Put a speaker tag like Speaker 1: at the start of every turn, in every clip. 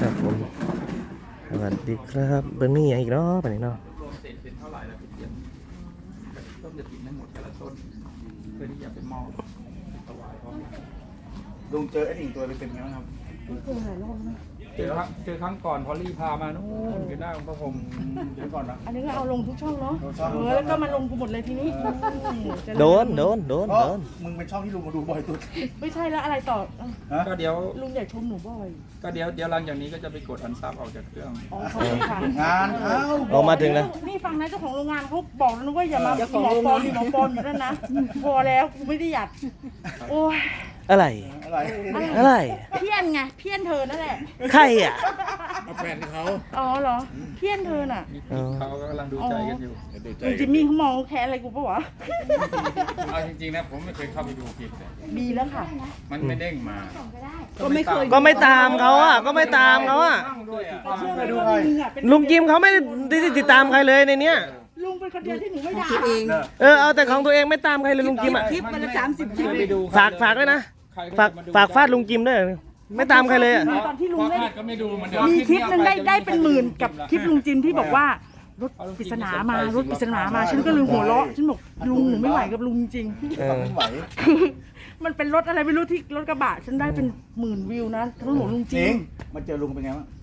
Speaker 1: ครับผมสวัสดีครับเบอร์นี่อีกเนาะไปไหนเนาะ
Speaker 2: รวมเสร็จเป็นเท่าไหร่แล้วพี่เทียนต้นจะติดไม่หมดแต่ละต้นเพื่อที่จะเป็นหม้อถวายพร้อมกัน
Speaker 3: ลุงเจอไอ้หนิงตัวเป็นไงบ้างครับ
Speaker 2: เจอครั้งก่อนพอลลี่พามานู่นอยู่หน้าองค์พระพรหม
Speaker 3: เดี๋ยวก่อนนะ
Speaker 4: อันนี้ก็เอาลงทุกช่องเนาะ
Speaker 3: ลงช่อง
Speaker 4: แล้วก็มาลงกูหมดเลยทีนี้จะ
Speaker 1: โดน
Speaker 3: เพราะมึงเป็นช่องที่ลุงมาดูบ่อยสุด
Speaker 4: ไม่ใช่แล้วอะไรต่อ
Speaker 3: ฮะ
Speaker 2: ก็เดี๋ยว
Speaker 4: ลุงอยากชมหนูบ่อย
Speaker 2: เดี๋ยวหลังจากนี้ก็จะไปกดอันซับออกจากเครื่อง
Speaker 4: อ๋อขอบคุณค่ะ
Speaker 3: งานเขา
Speaker 1: ออกมาถึงแล้ว
Speaker 4: นี่ฟังนะเจ้าของโรงงานเขาบอกแล้วนะว่าอย่ามาหมอปลอมอยู่นั่นนะพอแล้วกูไม่ได้อยากโอ้ย
Speaker 1: อะไร
Speaker 3: อะไร
Speaker 1: อะไร
Speaker 4: เพี้ยนไงเพี้ยนเธอนั่นแหละ
Speaker 1: ใครอ่ะ
Speaker 3: แฟนเขา
Speaker 4: อ๋อเหรอเพี้ยนเธอน่ะ
Speaker 2: เขาก็กำลังดูใจกันอยู่
Speaker 4: ลุงจิมมี่เขามองแค่อะไรกูปะวะ
Speaker 5: เอาจริงๆนะผมไม่เคยเข้าไปดูคลิปเลย
Speaker 4: ดีแล้วค่ะ
Speaker 5: มันไม่เด้งมา
Speaker 4: ก็ไม่เคย
Speaker 1: ก็ไม่ตามเขาอ่ะก็ไม่ตามเขาอ่ะ
Speaker 5: นั่งด้วยอ่ะ
Speaker 4: เชื่อไหมว่าลุงอ่ะเป็น
Speaker 1: ลุงจิมเขาไม่ได้ติดตามใครเลยในเนี้ย
Speaker 4: ลุงเป็นคนเดียวที่หนูไม่ด่า
Speaker 1: เอาแต่ของตัวเองไม่ตามใครเลยลุงจิมอ่ะ
Speaker 4: คลิปวันละ30 คลิป
Speaker 2: ไปดู
Speaker 1: ฝากด้วยนะฝากฟาดลุงจิมด้วยไม่ตามใครเลยอ่ะ
Speaker 4: ตอนที่ลุง
Speaker 5: พอ
Speaker 4: เล่น
Speaker 5: คาดก็ไม่ดูเหมันเดิม
Speaker 4: มีคลิปหนึงได้เป็นหมื่นกับคลิปลุงจิมที่บอกว่ารถปริศนามารถปริศนามาฉันก็เลยหัวเราะฉันบอกลุงหนูไม่ไหวกับลุงจริง
Speaker 3: ไม่ไหว
Speaker 4: คือมันเป็นรถอะไรไม่รู้ที่รถกระบะฉันได้เป็นหมื่นวิวนะทั้งหมดลุงจ
Speaker 3: จ
Speaker 4: ริ
Speaker 3: ริ
Speaker 4: ง
Speaker 3: งมาเจอลุงเป็นไงบ้าง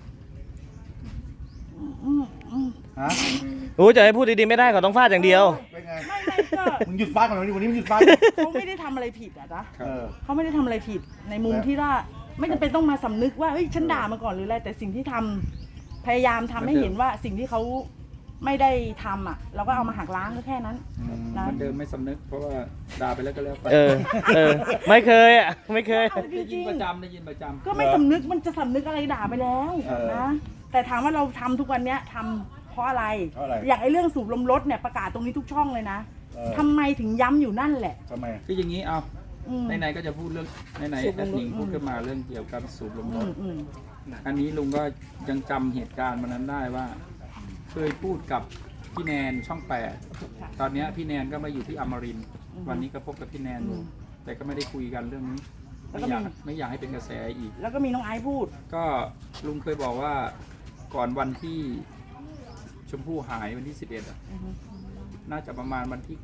Speaker 3: ฮะ
Speaker 1: โอ้จะให้พูดดีๆไม่ได้เขาต้องฟาดอย่างเดียว
Speaker 3: เป็นไง
Speaker 4: ไม่ก็
Speaker 3: มึงหยุดฟาดก่อนวันนี้มึงหยุดฟาด
Speaker 4: เขาไม่ได้ทำอะไรผิดอะนะ
Speaker 3: เออ
Speaker 4: เขาไม่ได้ทำอะไรผิดในมุมที่ว่าไม่จำเป็นต้องมาสำนึกว่าเฮ้ยฉันด่ามาก่อนหรืออะไรแต่สิ่งที่ทำพยายามทำให้เห็นว่าสิ่งที่เขาไม่ได้ทำอ่ะ เราก็เอามาหักล้างก็แค่นั้นนะ
Speaker 2: มันเดิมไม่สำนึกเพราะว่าด่าไปแล้วก็แล้วไป
Speaker 1: ไม่เคยอ่ะไม่เคย
Speaker 4: จ
Speaker 2: ได้ยิ
Speaker 4: ริ
Speaker 2: น
Speaker 4: ง
Speaker 2: ประจำได้ยินประจำ
Speaker 4: ๆก็ไม่สำนึกมันจะสำนึกอะไรด่าไปแล้วนะแต่ถามว่าเราทำทุกวันเนี้ยทำเพราะอะไร
Speaker 3: เพราะอะไร
Speaker 4: อย่างไอ้เรื่องสูบลมรถเนี่ยประกาศตรงนี้ทุกช่องเลยนะ ทำไมถึงย้ำอยู่นั่นแหละ
Speaker 3: ทำไม
Speaker 2: คืออย่างนี้เอา
Speaker 4: อืม
Speaker 2: ไหนๆก็จะพูดเรื่องไหน
Speaker 4: สู
Speaker 2: ๆ
Speaker 4: บ
Speaker 2: แอ
Speaker 4: ลมรถ
Speaker 2: ดมิงพูดขึ้นมาเรื่องเกี่ยวกับสูบลมรถ
Speaker 4: อืม
Speaker 2: อันนี้ลุงก็ยังจำเหตุการณ์วันนั้นได้ว่า เคยพูดกับพี่แนนช่อง 8 ตอนเนี้ยพี่แนนก็มาอยู่ที่อมรินทร์วันนี้ก็พบกับพี่แนนอยู่แต่ก็ไม่ได้คุยกันเรื่องนี้ไม่อยากให้เป็นกระแสอีก
Speaker 4: แล้วก็มีน้องไอซ์พูด
Speaker 2: ก็ลุงเคยบอกว่าก่อนวันที่ชมพู่หายวันที่ 11อ่ะ
Speaker 4: อือฮึ
Speaker 2: น่าจะประมาณวันที่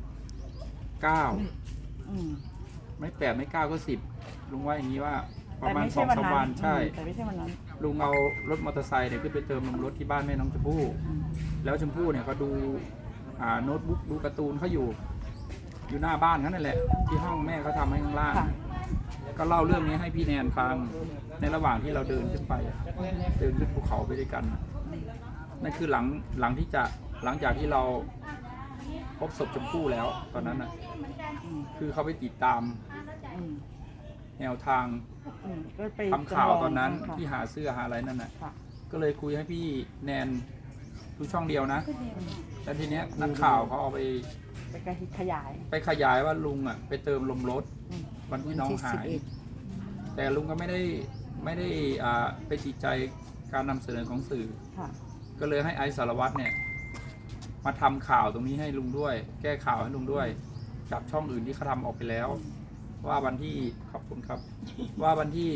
Speaker 2: 9
Speaker 4: อืม
Speaker 2: ไม่ 8 ไม่ 9 ก็ 10 ลุงว่าอย่างนี้ว่าประ
Speaker 4: แต่
Speaker 2: มาณ
Speaker 4: ไม่ใช่วัน
Speaker 2: 2-3
Speaker 4: นั้น
Speaker 2: วันใช่
Speaker 4: แต่ไม่ใช่วันนั้น
Speaker 2: ลุงเอารถมอเตอร์ไซค์เนี่ยขึ้นไปเติมลมรถที่บ้านแม่น้องชมพู่แล้วชมพู่เนี่ยก็ดูโน้ตบุ๊กดูการ์ตูนเขาอยู่หน้าบ้านเขานั่นแหละ ที่ห้องแม่เขาทำให้ข้างล่าง
Speaker 4: ค่ะ
Speaker 2: ก็เล่าเรื่องนี้ให้พี่แนนฟังในระหว่างที่เราเดินขึ้นไปเดินขึ้นภูเขาไปด้วยกันนั่นคือหลังจากที่เราพบศพชมพู่แล้วตอนนั้นน่ะคือเขาไปติดตาม
Speaker 4: อืม
Speaker 2: แนวทาง
Speaker 4: ก็ไป
Speaker 2: ทำข่าวตอนนั้น
Speaker 4: ค่ะ
Speaker 2: ที่หาเสื้อหาอะไรนั่นน่ะ
Speaker 4: ค่ะ
Speaker 2: ก็เลยคุยให้พี่แนนดูช่องเดียวนะแล้วทีเนี้ยนักข่าวเขาเอาไป
Speaker 4: ไปขยาย
Speaker 2: ขยายว่าลุงอ่ะไปเติมลมรถ
Speaker 4: อืม
Speaker 2: วันที่น้องหาย แต่ลุงก็ไม่ได้ไปติดใจการนำเสนอของสื่อ
Speaker 4: ค่ะ
Speaker 2: ก็เลยให้ไอซ์สารวัตรเนี่ยมาทำข่าวตรงนี้ให้ลุงด้วย แก้ข่าวให้ลุงด้วยจากช่องอื่นที่เขาทำออกไปแล้ว ว่าวันที่ขอบคุณครับ ว่าวันที่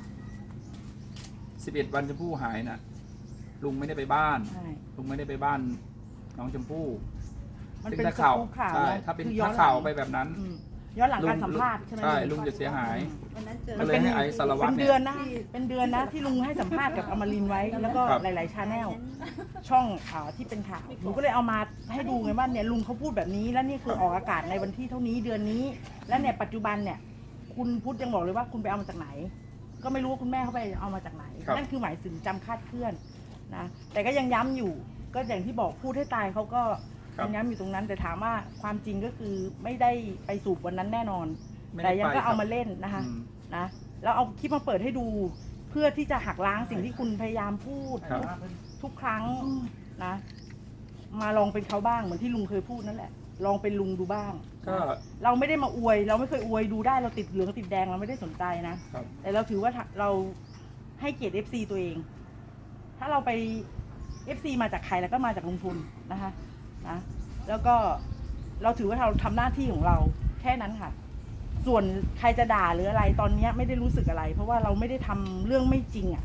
Speaker 2: 11 วันชมพู่หายน่ะ ลุงไม่ได้ไปบ้าน
Speaker 4: ใช่
Speaker 2: ลุงไม่ได้ไปบ้านน้องชมพู่
Speaker 4: มัน
Speaker 2: ซึ่ง
Speaker 4: เป็น
Speaker 2: ถ้าข่าว
Speaker 4: สกู๊ปข่าว
Speaker 2: ใช่
Speaker 4: นะ
Speaker 2: ถ้าเป็น
Speaker 4: คือย้อน
Speaker 2: ถ้าข่าว
Speaker 4: หลัง
Speaker 2: ไปแบบนั้น
Speaker 4: ย้อนหลังการสัมภาษณ์ใช่ไหม
Speaker 2: ใช่ลุงจะเสียหาย
Speaker 4: มัน
Speaker 2: ก็เลยให้ไอซ์สารวัตร
Speaker 4: เป็น
Speaker 2: เนี่ย
Speaker 4: เดือนนะเป็นเดือนนะที่ลุงให้สัมภาษณ์กับอมรินทร์ไว้ แล้วก็
Speaker 2: ครับ
Speaker 4: หลายๆชาแนลช่องข่าวที่เป็นข่าวหนูก็เลยเอามาให้ดูไงว่าเนี่ยลุงเขาพูดแบบนี้แล้วนี่คือออกอากาศในวันที่เท่านี้เดือนนี้ และเนี่ยปัจจุบันเนี่ย คุณพุทธยังบอกเลยว่าคุณไปเอามาจากไหน ก็ไม่รู้ว่าคุณแม่เขาไปเอามาจากไหน
Speaker 2: ครับ
Speaker 4: นั่นคือหมายถึงจำคาดเคลื่อนนะแต่ก็ยังย้ำอยู่ ก็อย่างที่บอกพูดให้ตายเขาก็ยังย้ำอยู่ตรงนั้น แต่ถามว่าความจริงก็คือไม่ได้ไปสูบวันนั้นแน่นอน
Speaker 2: ไม่
Speaker 4: แต่
Speaker 2: ได้
Speaker 4: ยัง
Speaker 2: ไป
Speaker 4: ก็เอา
Speaker 2: ครับ
Speaker 4: มาเล่นนะคะ
Speaker 2: อืม
Speaker 4: นะแล้วเอาคลิปมาเปิดให้ดู เพื่อที่จะหักล้างสิ่งที่คุณพยายามพูด
Speaker 2: ครับ
Speaker 4: ทุกครั้งนะ มาลองเป็นเขาบ้างเหมือนที่ลุงเคยพูดนั่นแหละ ลองเป็นลุงดูบ้าง
Speaker 2: ก็
Speaker 4: เราไม่ได้มาอวย เราไม่เคยอวยดูได้เราติดเหลืองติดแดงเราไม่ได้สนใจนะ
Speaker 2: ครับ
Speaker 4: แต่เราถือว่าเราให้เกียรติ FC ตัวเอง ถ้าเราไป FC มาจากใครแล้วก็มาจากลุงทุนนะคะนะแล้วก็เราถือว่าเราทำหน้าที่ของเราแค่นั้นค่ะ ส่วนใครจะด่าหรืออะไรตอนนี้ไม่ได้รู้สึกอะไร เพราะว่าเราไม่ได้ทำเรื่องไม่จริงอ่ะ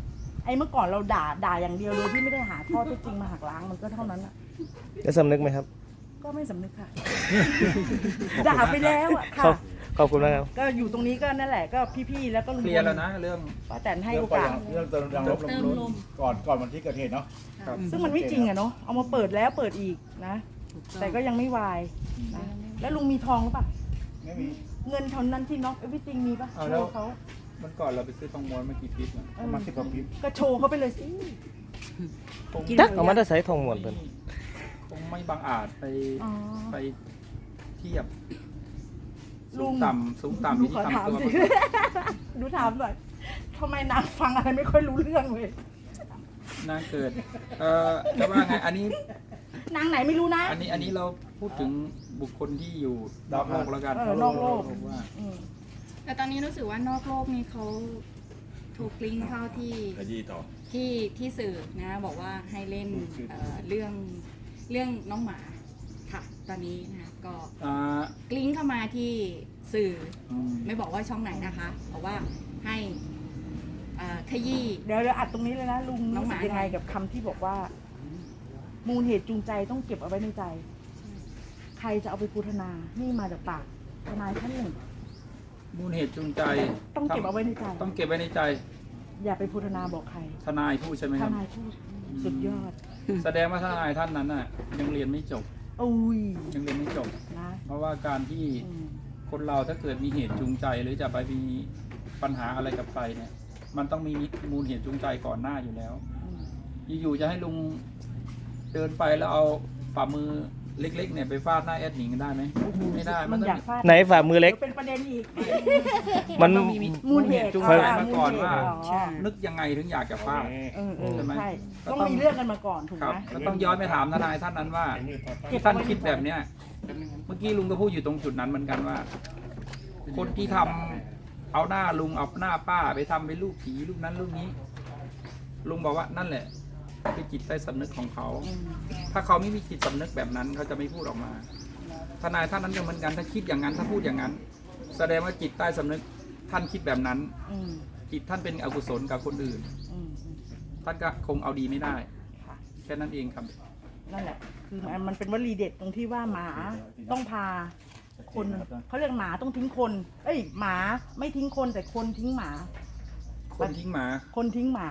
Speaker 4: ไอ้เมื่อก่อนเราด่าอย่างเดียวโดยที่ไม่ได้หาข้อเท็จจริงมาหักล้างมันก็เท่านั้นอ่ะ
Speaker 1: จะสำนึกไหมครับ
Speaker 4: ก็ไม่สำนึกค่ะ ด่าไปแล้วอ่ะ
Speaker 1: ขอ
Speaker 4: ค่ะ
Speaker 1: บขอบคุณมากครับ
Speaker 4: ก็อยู่ตรงนี้ก็นั่นแหละก็พี่ๆแล้วก็ลุง
Speaker 2: เคลียร์แล้วนะเรื่อง
Speaker 4: ป้าแตนให้
Speaker 3: เรื่
Speaker 4: โอ
Speaker 3: องก่อน
Speaker 4: กาส
Speaker 3: เรื่องเติมลมก่อนวันที่เกิดเหตุเนาะ
Speaker 2: ครับ
Speaker 4: ซึ่งมันไม่จริงอะเนาะเอามาเปิดแล้วเปิดอีกนะ แต่ก็ยังไม่วายนะแล้วลุงมีทองหรือเปล่า
Speaker 3: ไม่มี
Speaker 4: เงินเท่านั้นที่น็อกเอวิจริงมีปะ
Speaker 2: เอา
Speaker 4: โช
Speaker 2: แล้ว
Speaker 4: ว์เขา
Speaker 2: มันก่อนเราไปซื้อทองม้วนมากี่ปีแล้ว
Speaker 4: เอ
Speaker 3: ประ
Speaker 4: อ
Speaker 3: มาณ10 กว่าปี
Speaker 4: ก็โชว์เขาไปเลยสิ
Speaker 1: จักเอามาได้ใส่ทองหมวนเพิ่น
Speaker 2: คงไม่บังอาจไป
Speaker 4: อ๋อ
Speaker 2: ไปเทียบ
Speaker 4: ลุ
Speaker 2: สู
Speaker 4: ง
Speaker 2: งต่ำสูงต่ำ
Speaker 4: ดู
Speaker 2: ที่
Speaker 4: ขอ
Speaker 2: ทำ
Speaker 4: ถาม
Speaker 2: ตัว
Speaker 4: สิ ดูถามหน่อยทำไมนางฟังอะไรไม่ค่อยรู้เรื่องเลย
Speaker 2: นางเกิดจะว่าไงอันนี้
Speaker 4: นางไหนไม่รู้นะ
Speaker 2: อันนี้เราพูดถึงบุคคลที่อยู่นอกโลกแล้วกัน
Speaker 4: นอกโลก
Speaker 2: ว่า
Speaker 4: อืม
Speaker 6: แต่ตอนนี้รู้สึกว่านอกโลกนี่เขาถูกลิงก์เข้าที่สื่อนะบอกว่าให้เล่นเรื่องน้องหมาค่ะ ตอนนี้นะก็
Speaker 2: อ่า
Speaker 6: ลิงก์เข้ามาที่สื่อ
Speaker 2: อืม
Speaker 6: ไม่บอกว่าช่องไหนนะคะบอกว่าให้ขยี้
Speaker 4: เดี๋ยวอัดตรงนี้เลยนะลุง
Speaker 6: น้อง
Speaker 4: รู้
Speaker 6: ห
Speaker 4: สึ
Speaker 6: มา
Speaker 4: กยังไงกับคำที่บอกว่า มูลเหตุจูงใจต้องเก็บเอาไว้ในใจ ใครจะเอาไปพูดนานี่มาจากปากทนายท่านหนึ่ง
Speaker 2: มูลเหตุจูงใจ
Speaker 4: ต้องเก็บเอาไว้ในใจ
Speaker 2: ต้องเก็บไว้ในใจ
Speaker 4: อย่าไปพูดนาบอกใคร
Speaker 2: ทนายพูดใช่ไหม
Speaker 4: ท
Speaker 2: ครับ
Speaker 4: นายพูดสุดยอด
Speaker 2: แสดงว่าทนายท่านนั้นน่ะยังเรียนไม่จบ
Speaker 4: อุ้ย
Speaker 2: ยังเรียนไม่จบ
Speaker 4: นะ
Speaker 2: เพราะว่าการที่
Speaker 4: อืม
Speaker 2: คนเราถ้าเกิดมีเหตุจูงใจหรือจะไปมีปัญหาอะไรกับใครเนี่ย มันต้องมีมูลเหตุจูงใจก่อนหน้าอยู่แล้ว
Speaker 4: อืม
Speaker 2: อยู่ๆจะให้ลุงเดินไปแล้วเอาฝ่ามือเล็กๆเนี่ยไปฟาดหน้าแอดหนิงได้ไหมไม่ได้
Speaker 4: ลุ
Speaker 2: มัน
Speaker 4: ง
Speaker 2: ต้อง
Speaker 4: อยากฟาด
Speaker 1: ไหนฝ่ามือเล็ก
Speaker 4: ดี๋ยวเป็นประเด็นอีก
Speaker 1: มัน
Speaker 2: ต้องมี
Speaker 4: มูลเหตุ
Speaker 2: จูงใจมาก่อนว่า
Speaker 4: ใช่
Speaker 2: นึกยังไงถึงอยากจะฟาด ใช่ไหม
Speaker 4: ใช่
Speaker 2: ก็
Speaker 4: ต้อง
Speaker 2: ต้อง
Speaker 4: มีเรื่องกันมาก่อนถูก
Speaker 2: ครับ
Speaker 4: ไหม
Speaker 2: ก็ต้องย้อนไปถามทนายท่านนั้นว่าที่ท่านคิดแบบเนี้ยเมื่อกี้ลุงก็พูดอยู่ตรงจุดนั้นเหมือนกันว่า คนที่ทำเอาหน้าลุงเอาหน้าป้าไปทำเป็นรูปผีรูปนั้นรูปนี้ ลุงบอกว่านั่นแหละคือจิตใต้สำนึกของเขา
Speaker 4: อืม
Speaker 2: ถ้าเขาไม่มีจิตสำนึกแบบนั้นเขาจะไม่พูดออกมา ทนายท่านนั้นก็เหมือนกันถ้าคิดอย่างนั้นถ้าพูดอย่างนั้น แสดงว่าจิตใต้สำนึกท่านคิดแบบนั้น
Speaker 4: อืม
Speaker 2: จิตท่านเป็นอกุศลกับคนอื่น
Speaker 4: อืม
Speaker 2: ท่านก็คงเอาดีไม่ได้
Speaker 4: ค่ะ
Speaker 2: แค่นั้นเองครับ
Speaker 4: นั่นแหละ คือมันเป็นวลีเด็ดตรงที่ว่าหมาต้องพาคนเขาเรียกหมาต้องทิ้งคน เอ้ยหมาไม่ทิ้งคนแต่คนทิ้งหมา
Speaker 2: คนทิ้งหมา
Speaker 4: คนทิ้งหมา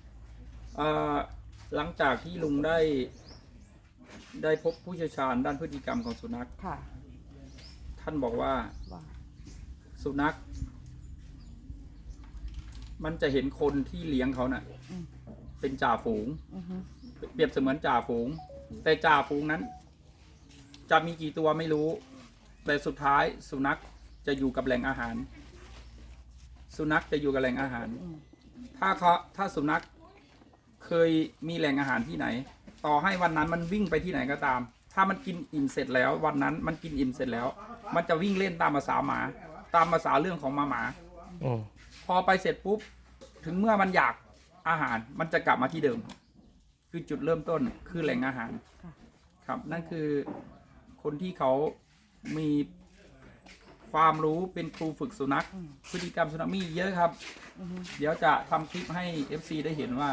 Speaker 2: หลังจากที่ลุงได้พบผู้เชี่ยวชาญด้านพฤติกรรมของสุนัข
Speaker 4: ค่ะ
Speaker 2: ท่านบอกว่า
Speaker 4: ว่า
Speaker 2: สุนัข มันจะเห็นคนที่เลี้ยงเขาน่ะ
Speaker 4: อืม
Speaker 2: เป็นจ่าฝูง
Speaker 4: อือฮึ
Speaker 2: เปรียบเสมือนจ่าฝูง แต่จ่าฝูงนั้น จะมีกี่ตัวไม่รู้ แต่สุดท้ายสุนัขจะอยู่กับแหล่งอาหาร สุนัขจะอยู่กับแหล่งอาหาร
Speaker 4: อืม
Speaker 2: ถ้าสุนัขเคยมีแหล่งอาหารที่ไหน ต่อให้วันนั้นมันวิ่งไปที่ไหนก็ตาม ถ้ามันกินอิ่มเสร็จแล้ว วันนั้นมันกินอิ่มเสร็จแล้ว มันจะวิ่งเล่นตามภาษาหมา ตามภาษาเรื่องของหมา
Speaker 1: อืม
Speaker 2: พอไปเสร็จปุ๊บ ถึงเมื่อมันอยากอาหาร มันจะกลับมาที่เดิม คือจุดเริ่มต้นคือแหล่งอาหาร ครับ นั่นคือคนที่เขามีความรู้เป็นครูฝึกสุนัข พฤติกรรมสุนัขมีเยอะครับ
Speaker 4: อือฮึ
Speaker 2: เดี๋ยวจะทำคลิปให้ FC ได้เห็นว่า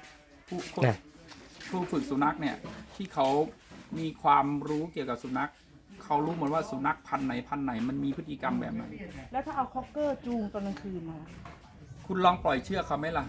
Speaker 2: ครูฝึกสุนัขเนี่ย ที่เขามีความรู้เกี่ยวกับสุนัข เขารู้หมดว่าสุนัขพันธุ์ไหนมันมีพฤติกรรมแบบไหน
Speaker 4: แล้วถ้าเอาคอกเกอร์จูงตอนกลางคืนมา
Speaker 2: คุณลองปล่อยเชือกเขาไหมล่ะ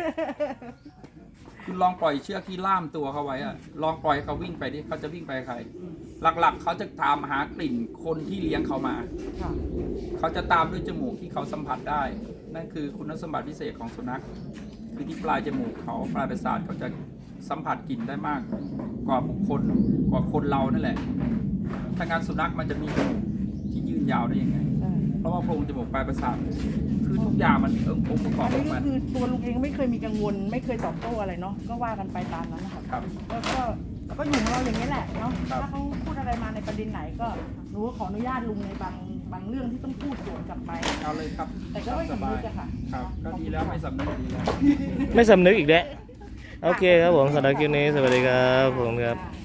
Speaker 2: คุณลองปล่อยเชือกที่ล่ามตัวเขาไว้อะลองปล่อยให้เขาวิ่งไปดิเขาจะวิ่งไปกับใคร หลักๆ เขาจะตามหากลิ่นคนที่เลี้ยงเขามา
Speaker 4: ค่ะ
Speaker 2: เขาจะตามด้วยจมูกที่เขาสัมผัสได้ นั่นคือคุณสมบัติพิเศษของสุนัข คือที่ปลายจมูกเขาปลายประสาทเขาจะสัมผัสกลิ่นได้มากกว่าบุคคลกว่าคนเรานั่นแหละถ้างั้นสุนัขมันจะมีจมูกที่ยืนยาวได้ยังไง
Speaker 4: ใช่
Speaker 2: เพราะว่าโพรงจมูกปลายประสาทคือทุกอย่างมันองค์ประกอบ
Speaker 4: อัน
Speaker 2: ข
Speaker 4: นี้
Speaker 2: อง
Speaker 4: ก็
Speaker 2: มัน
Speaker 4: คือตัวลุงเองไม่เคยมีกังวล ไม่เคยตอบโต้อะไรเนาะ ก็ว่ากันไปตามนั้นนะคะ
Speaker 2: ครับ
Speaker 4: แล้วก็อยู่ของเราอย่างนี้แหละเนาะ
Speaker 2: ครับ
Speaker 4: ถ้าเขาพูดอะไรมาในประเด็นไหนก็หนูก็ขออนุญาตลุงในบางเรื่องที่ต้องพูดสวนกลับไป
Speaker 2: เอาเลยครับ
Speaker 4: แต่ก็ไม่สำนึกอะค่ะ
Speaker 2: ครับ ก็ดีแล้วไม่สำนึกดีแล้ว
Speaker 1: ไม่สำนึกอีกแล้วโอเคครับผมสำหรับคลิปนี้สวัสดีครับผมครับ